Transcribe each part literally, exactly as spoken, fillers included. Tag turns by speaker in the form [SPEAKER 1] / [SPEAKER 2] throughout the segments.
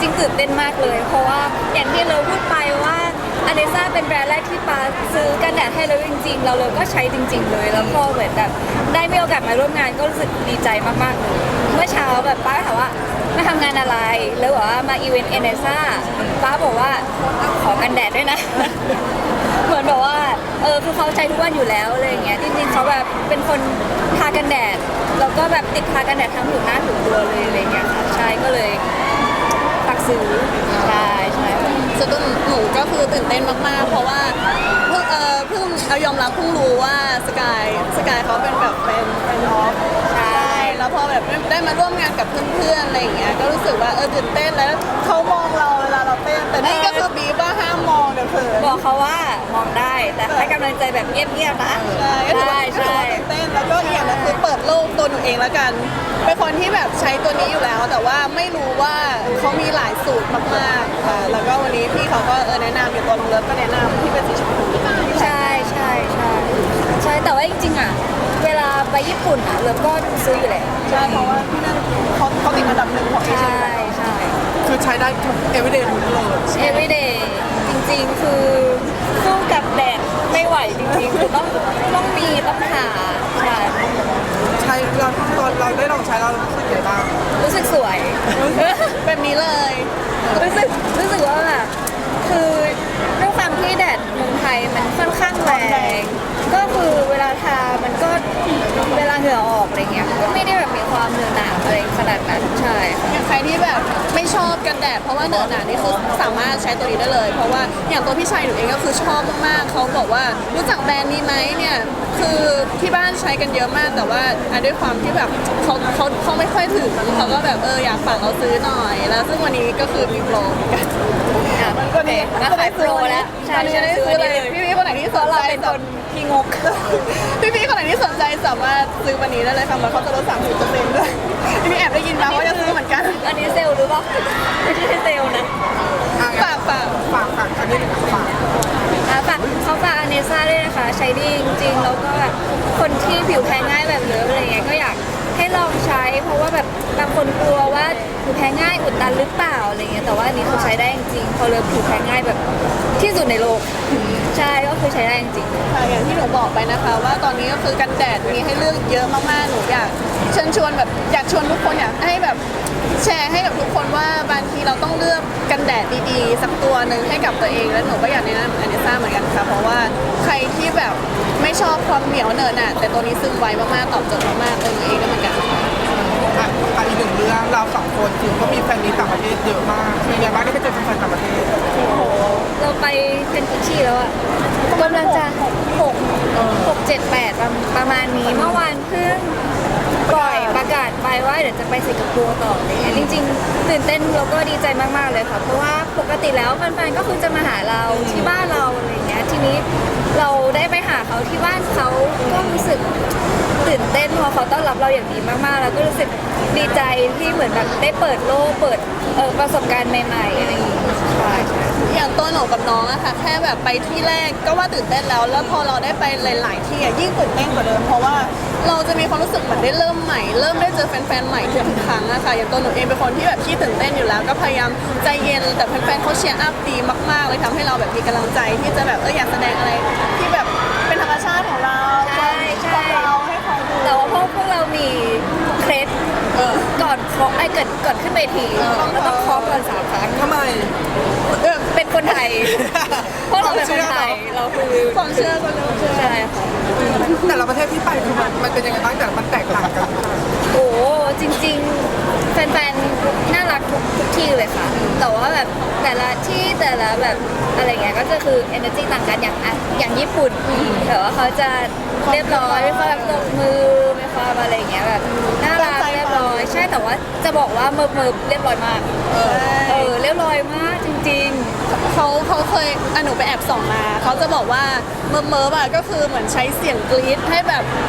[SPEAKER 1] ริงๆตื่นเต้นมากเลยเพราะว่าอย่างที่เราพูดไปว่าอเนซ่าเป็นแบรนด์แรกที่ปาซื้อกันแดดให้เราจริงๆเราเลยก็ใช้จริง ๆ เลยแล้วพอเหมือนแบบได้มีโอกาสมาร่วมงานก็รู้สึกดีใจมากๆเลยเมื่อเช้าแบบป้าถามว่ามาทำงานอะไรแล้วบอกว่ามาอีเวนต์เอเนซ่าป้าบอกว่าขอกันแดดด้วยนะ เหมือนแบบว่าเออคือเขาใช้ทุกวันอยู่แล้วอะไรอย่างเงี้ยจริงๆเขาแบบเป็นคนทากันแดดแล้วก็แบบติดทากันแดดทั้งผิวหน้าผิวตัวเลยอะไรอย่างเงี้ยค่ะใช่ก็เลยฝากซื้อใช่ใช่
[SPEAKER 2] ส่วนตัวหนูก็คือตื่นเต้นมากๆเพราะว่าเพิ่งเออเพิ่งเอายอมรับเพิ่งรู้ว่าสกายสกายเขาเป็นแบบเป็นเป็นออฟใช่แล้วพอแบบได้มาร่วมงานกับเพื่อนๆอะไรอย่างเงี้ยก็รู้สึกว่าเออตื่นเต้นแล้วเขามองเราเวลาเราเต้นแต่นี่ก็คือบีบว่าห้ามมองเดี๋ยวเขิน
[SPEAKER 1] บอกเขาว่ามองได้แต่ให้กำลังใจแบบเงียบๆนะ
[SPEAKER 2] ใช่ก็ถือ
[SPEAKER 1] ใช่
[SPEAKER 2] ว่าถือ
[SPEAKER 1] ใช่
[SPEAKER 2] ว่าตื่นเต้นแล้วก็อีกอย่างหนึงคือเปิดโลกตัวหนูเองแล้วกันเป็นคนที่แบบใช้ตัวนี้อยู่แล้ว แต่ว่าไม่รู้ว่าเขามีหลายสูตรมากๆค่ะแล้วก็วันนี้พี่เขาก็เออแนะนำอยู่ตัวน้องเลิฟก็แนะนำที่เป็นสีชมพู
[SPEAKER 1] ใช่ใช่ใช่ใช่แต่ว่าจริงๆอ่ะเวลาไปญี่ปุ่นอ่ะเราก็ซื้ออยู่แล้ว
[SPEAKER 2] ใช่เพราะว่าที่นั่นเขาเขาติดอันดับหนึ่งของเอเชี
[SPEAKER 1] ใช่
[SPEAKER 2] ย
[SPEAKER 1] ใช่
[SPEAKER 3] คือใช้ได้ทุก everyday ทุกเลย
[SPEAKER 1] everyday จริงๆคือสู้กับแดดไม่ไหวจริงๆคือต้องต้องมีต้องหาใช่
[SPEAKER 3] ใช้เราตอนเราได้ลองใช้เรารู้สึกยังไงบ้าง
[SPEAKER 1] รู้สึกสวย
[SPEAKER 2] แบบนี้เลย
[SPEAKER 1] รู้สึกรู้สึกว่าแบบคือด้วยความที่แดดเมืองไทยมันค่อนข้างแรงก็คือเวลาทามันก็เวลาเหงื่อออกอะไรเงี้ยก็ไม่ได้แบบมีความเหนอะหนาอะไรขนาดนั้นใช่ค่ะ
[SPEAKER 2] อย่างใครที่แบบไม่ชอบกันแดดเพราะว่าเหนอะหนานี่คือสามารถใช้ตัวนี้ได้เลย เพราะว่าอย่างตัวพี่ชายหนูเองก็คือชอบมากๆเขาบอกว่ารู้จักแบรนด์นี้ไหมเนี่ยคือที่บ้านใช้กันเยอะมากแต่ว่าอ่ะด้วยความที่แบบเขาเขาเขาไม่ค่อยถึงเขาก็แบบเอออยากฝากเราซื้อหน่อย แล้วซึ่งวันนี้ก็คือมีโปรเหมือนกัน
[SPEAKER 1] อ่ะ
[SPEAKER 2] ก็นี่
[SPEAKER 1] มาขายโปรแล้วใช่
[SPEAKER 2] ตอนนี้
[SPEAKER 1] ใช่
[SPEAKER 2] ได้
[SPEAKER 1] ซื้
[SPEAKER 2] ซื้
[SPEAKER 1] อ
[SPEAKER 2] อ
[SPEAKER 1] ได้
[SPEAKER 2] เลย
[SPEAKER 1] เลย
[SPEAKER 2] พี่พี่คนไหนที่สน
[SPEAKER 1] เรา
[SPEAKER 2] ใจ
[SPEAKER 1] เป็นคนที่งก
[SPEAKER 2] พี่พี่คนไหนที่สนใจสามารถซื้อวันนี้ได้เลยค่ะมันเขาจะลดสามสิบเปอร์เซ็นต์ด้วยพี่พี่แอบได้ยินมาว่าจะซื้อเหมือนกัน
[SPEAKER 1] อันนี้เซลล์หรือเปล่าไม่ใช่เซลล์นะ
[SPEAKER 3] อ่ะ
[SPEAKER 2] ฝากฝาก
[SPEAKER 3] ฝากฝากอันนี้ฝาก
[SPEAKER 1] อ่ะฝากเขาฝากอเนซ่าด้วยนะคะใช้ดีจริงๆแล้วก็แบบคนที่ผิวแพ้ง่ายแบบเลิฟอะไรเงี้ยก็อยากให้ลองใช้ เพราะว่าแบบบางคนกลัวว่าผิวแพ้ง่ายอุดตันหรือเปล่าอะไรเงี้ยแต่ว่าอันนี้เขาใช้ได้จริงๆพอเลิฟผิวแพ้ง่ายแบบที่สุดในโลกใช่ก็คือใช้ได้จริง
[SPEAKER 2] ค่ะอย่างที่หนูบอกไปนะคะ ว่าตอนนี้ก็คือกันแดดมีให้เลือกเยอะมากๆหนูอยากเชิญชวนแบบอยากชวนทุกคนอยากให้แบบแชร์ให้กับทุกคนว่าบางทีเราต้องเลือกกันแดดดีๆสักตัวหนึ่งให้กับตัวเองแล้วหนูก็อยากแนะนำอันนี้ซ่าเหมือนกันค่ะเพราะว่าใครที่แบบไม่ชอบความเหนียวเหนอะหนะแต่ตัวนี้ซึมไวมากๆตอบโจทย์มากๆตัวหนูเองก็เหมือนกันค่ะ
[SPEAKER 3] อ่ะอ่ะอีกหนึ่งเรื่องเราสองคนคือก็มีแฟนนี้ต่างประเทศเยอะมากเป็นไงบ้างได้ไปเจอแฟนต่างประเทศ
[SPEAKER 1] ๆเราไปเป็นกี่ที่แล้วอะกำลังจะหกหกเจ็ดแปดประมาณนี้เมื่อวานเพิ่งปล่อยประกาศไปว่าเดี๋ยวจะไปสิงคโปร์ต่ออะไรเงี้ยจริงๆตื่นเต้นแล้วก็ดีใจมากๆเลยค่ะเพราะว่าปกติแล้วแฟนๆก็คือจะมาหาเราที่บ้านเราอะไรเงี้ยทีนี้เราได้ไปหาเขาที่บ้านเขาก็รู้สึกตื่นเต้นเพราะเขาต้อนรับเราอย่างดีมากๆแล้วก็รู้สึกดีใจที่เหมือนแบบได้เปิดโลกเปิดเอ่อประสบการณ์ใหม่ๆอะไรอย่างเงี้ยใช่ใช่
[SPEAKER 2] อย่างตัวหนูกับน้องอะค่ะแค่แบบไปที่แรกก็ว่าตื่นเต้นแล้ว แล้วพอเราได้ไปหลาย ๆ ที่อะยิ่งตื่นเต้นกว่าเดิมเพราะว่าเราจะมีความรู้สึกเหมือนได้เริ่มใหม่เริ่มได้เจอแฟน ๆ ใหม่ทุกครั้งอะค่ะอย่างตัวหนูเองเป็นคนที่แบบขี้ตื่นเต้นอยู่แล้ว ก็พยายามใจเย็นแต่แฟน ๆ เขาเชียร์อัพดีมาก ๆ เลยทำให้เราแบบมีกำลังใจที่จะแบบเอออยากแสดงอะไรที่แบบเป็นธรรมชาติของเรา
[SPEAKER 1] ใช่ใช่
[SPEAKER 2] ของเราให้เขาดู
[SPEAKER 1] แต่ว่าพวกพวกเรามีเคล็ด
[SPEAKER 2] เออ
[SPEAKER 1] ก่อนเคาะไอ้เกิดก่อนขึ้นเวทีต้องต้องเคาะก่อนสามครั้ง
[SPEAKER 3] ทำไม
[SPEAKER 1] เออเป็นคนไทย เพราะเราเป็นคนไทยเราคือ
[SPEAKER 2] ความเชื่อก็เริ่มเชื่อ
[SPEAKER 1] ใช่ค่ะ
[SPEAKER 3] แต่ละประเทศที่ไปคือมันมันเป็นยังไงบ้างแต่ละมันแตกต่างกัน
[SPEAKER 1] โอ้จริงๆแฟนๆน่ารักทุกทุกที่เลยค่ะ แต่ว่าแบบแต่ละที่แต่ละแบบอะไรเงี้ยก็จะคือ energy ต่างกันอย่างอ่ะอย่างญี่ปุ่นแต่ว่าเขาจะเรียบร้อยมีความแบบตบมือมีความอะไรเงี้ยแบบน่ารักเรียบร้อยใช่แต่ว่าจะบอกว่าเมิร์ฟเมิร์ฟเรียบร้อยมากเออเรียบร้อยมากจริง
[SPEAKER 2] เขาเขาเคยอ่ะหนูไปแอบส่องมา เขาจะบอกว่าเมิร์ฟเมิร์ฟอ่ะก็คือเหมือนใช้เสียงกรี๊ดให้แบบ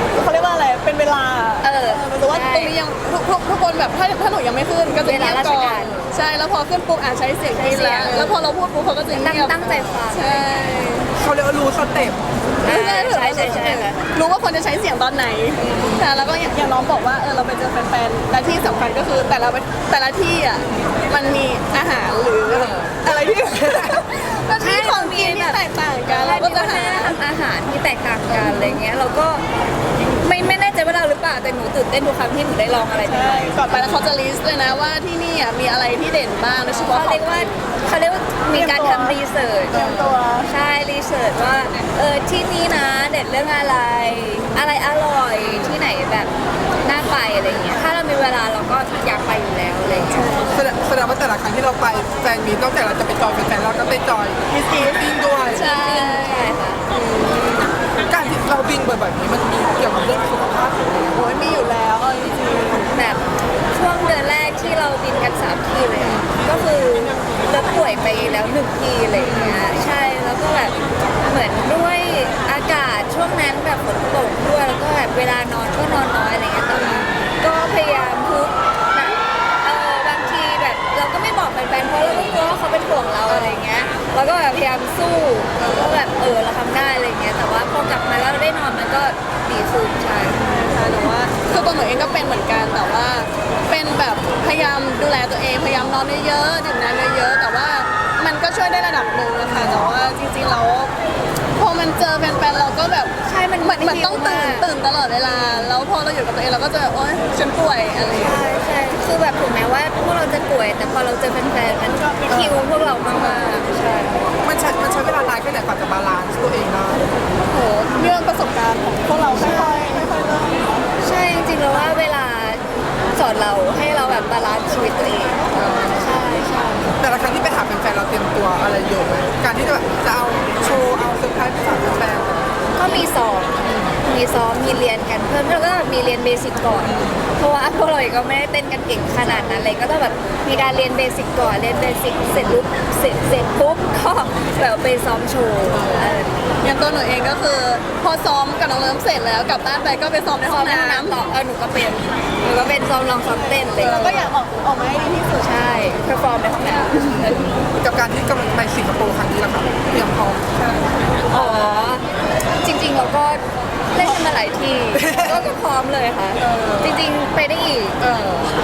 [SPEAKER 2] เขาเรียกว่าอะไรเป็นเวลา
[SPEAKER 1] เออ
[SPEAKER 2] หรือว่า
[SPEAKER 1] ใช่
[SPEAKER 2] ตรงนี้ยังทุกทุกทุกคนแบบถ้าถ้าหนูยังไม่ขึ้นก็จะ
[SPEAKER 1] เวลาราช
[SPEAKER 2] ก่อ
[SPEAKER 1] การ
[SPEAKER 2] นใช่แล้วพอขึ้นปุ๊บอ่ะใช้เสียงกรี๊ด
[SPEAKER 1] ใช้เสีย
[SPEAKER 2] แล้
[SPEAKER 1] ง
[SPEAKER 2] วแล้วพอเราพูดปุ๊บเขาก็จะ
[SPEAKER 1] ตั้ง
[SPEAKER 2] เงียบ
[SPEAKER 1] ตั้งใจฟัง
[SPEAKER 2] ใช่
[SPEAKER 3] เขาเรียกว่ารู้สเต็ป
[SPEAKER 1] ใช่ใช่ใช่ใช่ใช่ค่ะ
[SPEAKER 2] รู้ว่าควรจะใช้เสียงตอนไหนแต่แล้วก็อย่างอย่างน้องบอกว่าเออเราไปเจอแฟนๆและที่สำคัญก็คือแต่ละแต่ละที่อ่ะมันมีอาหารหรืออะไรที่ มันมีของกินที่แตกต่างกันเราก็จะหา
[SPEAKER 1] ทำอาหารที่แตกต่างกันอะไรเงี้ยเราก็ไม่ไม่แน่ใจว่าเราหรือเปล่าแต่หนูตื่นเต้นทุกครั้งที่หนูได้ลองอะไรให
[SPEAKER 2] ใช่
[SPEAKER 1] ม่
[SPEAKER 2] ก่อนไปแล้วเขาจะลิสต์เลยนะว่าที่นี่อ่ะมีอะไรที่เด่นบ้างโดยเฉ
[SPEAKER 1] ๆ
[SPEAKER 2] พาะ
[SPEAKER 1] เขาเรียกว่าเขาเรียกว่ามีการทำรีเสิร์ช
[SPEAKER 2] เตรียมตัว
[SPEAKER 1] ใช่รีเสิร์ชว่าเออที่นี้นะเด็ดเรื่องอะไร อะไรอร่อยที่ไหนแบบน่าไปอะไรเงี้ยถ้าเรามีเวลาเราก็อยากไปอยู่แล้วอะไรเงี้ย
[SPEAKER 3] แสดงแสดงว่าแต่ละครั้งที่เราไปแฟนมีนอกจากเราจะไปจอยแฟนๆเราก็ไปจอยมิสกีบินด้วย
[SPEAKER 1] ใช่ค่ะ
[SPEAKER 3] การที่เราบินบ่อยๆนี้มันมีเกี่ยวกับเรื่องสุขภาพหรืออะไร
[SPEAKER 2] โอ้ยมีอยู่แล้วเอาจริง
[SPEAKER 1] แบบช่วงเดือนแรกที่เราบินกันสามที่เลยอะก็คือเราป่วยไปแล้วหนึ่งที่อะไรอย่างเงี้ยใช่แล้วก็แบบเหมือนด้วยอากาศช่วงนั้นแบบฝนตกด้วยแล้วก็แบบเวลานอนก็นอนน้อยอะไรเงี้ยแต่ว่าก็พยายามทุกแบบเออบางทีแบบเราก็ไม่บอกแฟนๆเพราะเราก็กลัวว่าเขาเป็นห่วงเราอะไรเงี้ยเราก็แบบพยายามสู้แล้วก็แบบเออเราทำได้อะไรเงี้ยแต่ว่าพอกลับมาแล้วเราได้นอนมันก็ดีขึ้นใช่
[SPEAKER 2] ๆค่ะแต่ว่าคือตัวหนูเองก็เป็นเหมือนกันแต่ว่าเป็นแบบพยายามดูแลตัวเองพยายามนอนเยอะๆดื่มน้ำเยอะๆแต่ว่ามันก็ช่วยได้ระดับหนึ่งนะคะแต่ว่าจริงๆแล้วพอมันเจอแฟนๆเราก็แบบ
[SPEAKER 1] ใช่มัน
[SPEAKER 2] เหมือนเหมือนต้องตื่น
[SPEAKER 1] มาก
[SPEAKER 2] ตื่นตลอดเวลาแล้วพอเราอยู่กับตัวเองเราก็จะโอ๊ยฉันป่วยอะไรอย่างเงี้ย
[SPEAKER 1] ใช่ใช่คือแบบถึงแม้ว่าพวกเราจะป่วย แต่พอเราเจอแฟนๆมันคิวพวกเรามากๆใช่
[SPEAKER 3] มันใช้มันใช้เวลานานแค่ไหนกว่าจะบาลานซ์ตัวเองได้
[SPEAKER 2] โหเรื่องประสบการณ์ของพวกเราค่อยๆค่อยๆเริ่ม
[SPEAKER 1] ใช่จริงๆแล้วว่าเวลาสอนเราให้เราแบบบาลานซ์ชีวิตตัวเองใช่ใช่
[SPEAKER 3] แต่ละครั้งที่ไปหาแฟนๆเราเตรียมตัวอะไรเยอะไหมการที่จะแบบจะเอาโชว์เอาเซอร์ไพรส์ไปฝากแฟน
[SPEAKER 1] ก็มีซ้อมมีซ้อมมีเรียนกันเพิ่มแล้วก็มีเรียนเบสิกก่อน เพราะว่าพวกเราเองก็ไม่ได้เต้นกันเก่งขนาดนั้นเลยก็ต้องแบบมีการเรียนเบสิกก่อนเรียนเบสิกเสร็จปุ๊บเสร็จเสร็จปุ๊บก็แบบไปซ้อมโชว์เออ
[SPEAKER 2] อย่างตัวหนูเองก็คือ พอซ้อมกับน้องเลิมเสร็จแล้วกลับบ้านไปก็ไปซ้อมในห้
[SPEAKER 1] ซ้
[SPEAKER 2] อ
[SPEAKER 1] อง มในห้อง
[SPEAKER 2] น้ำ
[SPEAKER 1] น้ำต่อเออหนูก็เป็นหนูก็เป็นซ้อมลองซ้อมเต้นเลย
[SPEAKER 2] เราก็อยากออกออกมาให้ดีที่สุด
[SPEAKER 1] ใช่เพอร์ฟอร์มในห้องน้ำ
[SPEAKER 3] ๆกับการที่กำลังไปสิงคโปร์ครั้งนี้ละครับเตรียมพร้อมแค่ไหน
[SPEAKER 1] อ๋อ จริงๆเราก็เล่นกันมาหลายทีก็ก็พร้อมเลยค่ะ จริงๆไปได้อีก
[SPEAKER 3] เออน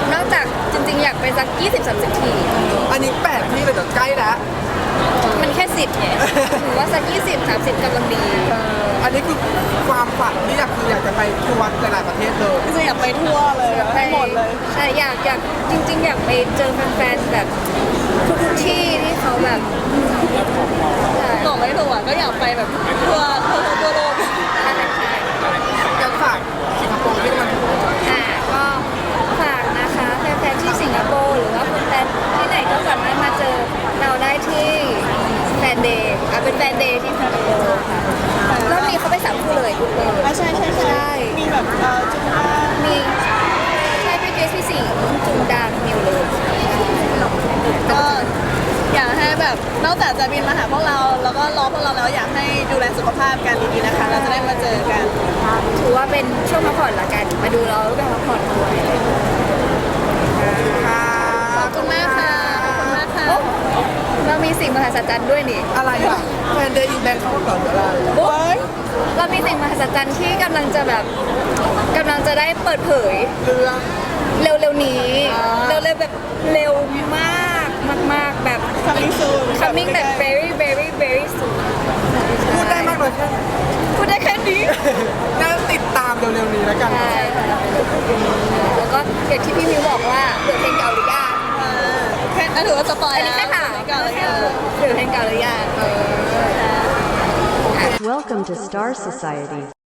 [SPEAKER 1] อกจากจริง ๆ อยากไปสัก ยี่สิบถึงสามสิบ ที
[SPEAKER 3] อันนี้แปดที่เลยเดี๋ยวใกล้แล้ว
[SPEAKER 1] มันแค่สิบไงหนูว่าสัก ยี่สิบ สามสิบกำลังดี
[SPEAKER 3] เอออันนี้คือความฝันที่อยากคืออยากจะไปทัวร์หลายๆประเทศเลย
[SPEAKER 2] คืออยากไปทั่วเลยอยากให้หมดเลย
[SPEAKER 1] ใช่อยากอยากจริง ๆ อยากไปเจอแฟนๆแบบทุกๆที่ที่เขาแบบใช่
[SPEAKER 2] บอกไม่ถูกอ่ะก็อยากไปแบบทั่วทั่วทั่วโลก
[SPEAKER 1] ใช่ใช่
[SPEAKER 3] การฝากสิงคโปร์ที่มัน
[SPEAKER 1] อ่าก็ฝากนะคะแฟนๆที่สิงคโปร์หรือว่าแฟนๆที่ไหนก็สามารถมาเจอเราได้ที่แฟนเดย์อ่ะเป็นแฟนเดย์ที่สิงคโปร์ค่ะรอบนี้เขาไปสามคู่เลยเลย
[SPEAKER 2] อ่ะใช่ใช่ใช่มีแบบเอ่อจุฬา
[SPEAKER 1] มีใช่พี่เกสพี่สิงห์จุงดังมิวเลย
[SPEAKER 2] ก็อยากให้แบบนอกจากจะบินมาหาพวกเราแล้วก็รอพวกเราแล้วอยากให้ดูแลสุขภาพกันดีๆนะคะ เราจะได้มาเจอกัน
[SPEAKER 1] ถือว่าเป็นช่วงพักผ่อนละกัน มาดูเราแล้วก็พักผ่อนด้วย
[SPEAKER 3] ค่ะ
[SPEAKER 2] ขอบคุณมากค่ะขอบคุณมากค่ะ
[SPEAKER 1] โอ้เรามีสิ่งมหัศจรรย์ด้วยนี่
[SPEAKER 3] อะไรอ่ะแฟนเดย์อินแบงเขาเหรอหรืออะไร
[SPEAKER 1] โอ้ยเรามีสิ่งมหัศจรรย์ที่กำลังจะแบบกำลังจะได้เปิดเผย
[SPEAKER 3] เรื่อง
[SPEAKER 1] เร็วๆนี้
[SPEAKER 3] อ่า
[SPEAKER 1] เร็วๆแบบเร็วมากมากๆแบบ
[SPEAKER 2] coming soon
[SPEAKER 1] coming แบบ very very very soon
[SPEAKER 3] พูดได้มากเลยแค่
[SPEAKER 1] พูดได้แค่นี้
[SPEAKER 3] น่าติดตามเร็วๆนี้แล้วกัน
[SPEAKER 1] ใช่ค่ะแล้วก็อย่างที่พี่มิวบอกว่าเหลือเพลงเก่าหรือยัง
[SPEAKER 2] อ่าแค่ถือว่าสปอย
[SPEAKER 1] อัน
[SPEAKER 2] แล้
[SPEAKER 1] นี้
[SPEAKER 2] ว
[SPEAKER 1] แค่ถาม
[SPEAKER 2] ก่อนเลยค่ะ
[SPEAKER 1] เหลือเพลงเก่าหรือยัง
[SPEAKER 3] เออ
[SPEAKER 4] Welcome to Star Society.